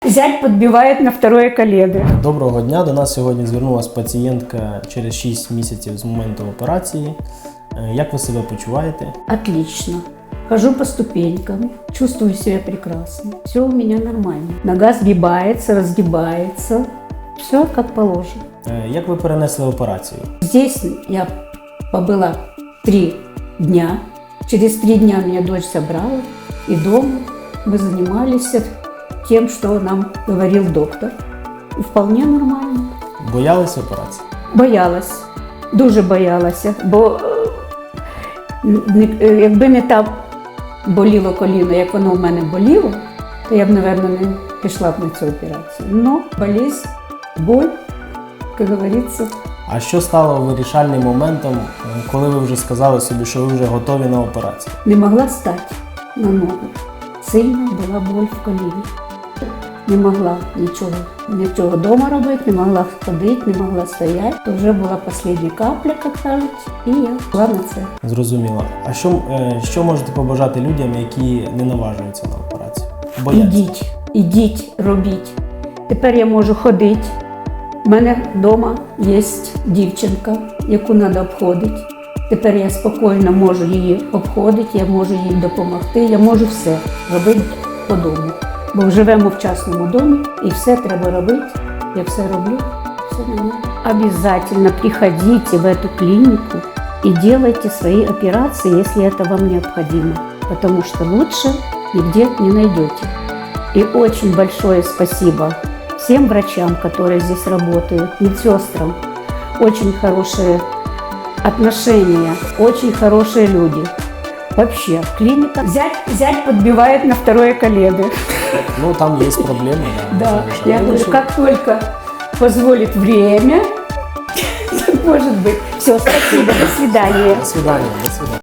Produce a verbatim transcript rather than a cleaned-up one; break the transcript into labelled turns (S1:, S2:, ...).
S1: Зять підбиває на второе колено.
S2: Доброго дня. До нас сьогодні звернулася пацієнтка через шість місяців з моменту операції. Як ви себе почуваєте?
S1: Отлично. Хожу по ступенькам, чувствую себя прекрасно. Все у меня нормально. Нога сгибается, разгибается. Все как положено.
S2: Як ви перенесли операцію?
S1: Здесь я побыла три дня. Через три дня меня дочь собрала. И дома мы занимались тем, что нам говорил доктор. И вполне нормально.
S2: Боялися операції?
S1: Боялась. Дуже боялася. Бо е, якби не так боліло коліно, як воно в мене боліло, то я б, мабуть, не пішла б на цю операцію. Но болезнь, боль, як говориться.
S2: А що стало вирішальним моментом, коли ви вже сказали собі, що ви вже готові на операцію?
S1: Не могла стати на ногу. Сильна була боль в коліні. Не могла нічого, нічого вдома робити, не могла ходити, не могла стояти. То вже була остання капля, як кажуть, і я пішла на це.
S2: Зрозуміло. А що, е, що можете побажати людям, які не наважуються на операцію? Бояться?
S1: Ідіть, ідіть, робіть. Тепер я можу ходити. У мене вдома є дівчинка, яку треба обходити. Тепер я спокійно можу її обходити, я можу їй допомогти, я можу все робити по дому. Бо живемо в частному домі і все треба робити. Я все роблю, все нормально. Обязательно приходите в эту клинику и делайте свои операции, если это вам необходимо. Потому что лучше нигде не найдете. И очень большое спасибо всем врачам, которые здесь работают, медсестрам. Очень хорошие отношения, очень хорошие люди. Вообще, клиника. Зять, зять подбивает на второе колено.
S2: Ну, там є проблеми. Да,
S1: Да,
S2: можна
S1: я
S2: вирішити.
S1: говорю, как только позволит время, может быть. Все, спасибо, до свидания.
S2: До свидання, до свидання.